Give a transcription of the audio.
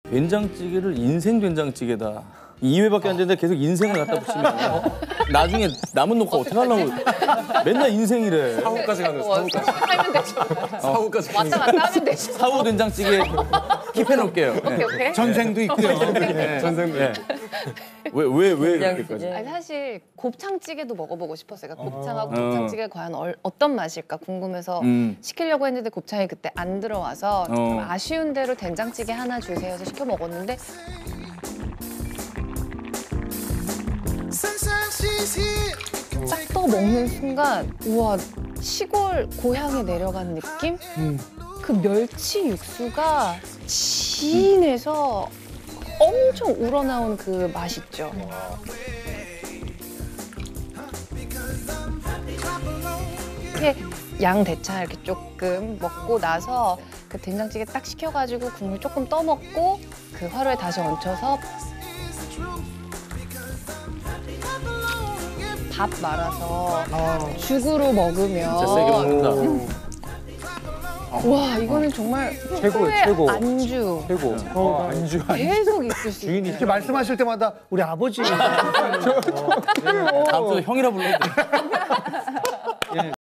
된장찌개를 인생 된장찌개다. 2회밖에 안 되는데 계속 인생을 갖다 붙이면 나중에 남은 녹화 어떻게 하려고 맨날 인생이래. 사후까지 가는 거야. 하면 되죠. 사후까지 가는 왔다 갔다 하면 되죠. 사후 된장찌개 킵해놓을게요. 네. 오케이. 전생도 있고요. 전생도. 네. 왜 이렇게까지? 아니, 사실 곱창찌개도 먹어보고 싶었어요. 그러니까 곱창하고 곱창찌개가 과연 어떤 맛일까 궁금해서 시키려고 했는데 곱창이 그때 안 들어와서 좀 아쉬운 대로 된장찌개 하나 주세요 해서 시켜 먹었는데 딱 떠 먹는 순간 우와 시골 고향에 내려간 느낌? 그 멸치 육수가 진해서 엄청 우러나온 그 맛 있죠. 이렇게 양 대창 이렇게 조금 먹고 나서 그 된장찌개 딱 시켜가지고 국물 조금 떠먹고 그 화로에 다시 얹혀서 밥 말아서 죽으로 먹으면 진짜 세게 먹는다. 와 이거는 정말 최고의 최고. 안주 최고. 안주. 계속 있을 수 있어요. 이렇게 말씀하실 때마다 우리 아버지. 다음 주에 형이라 불러도 돼.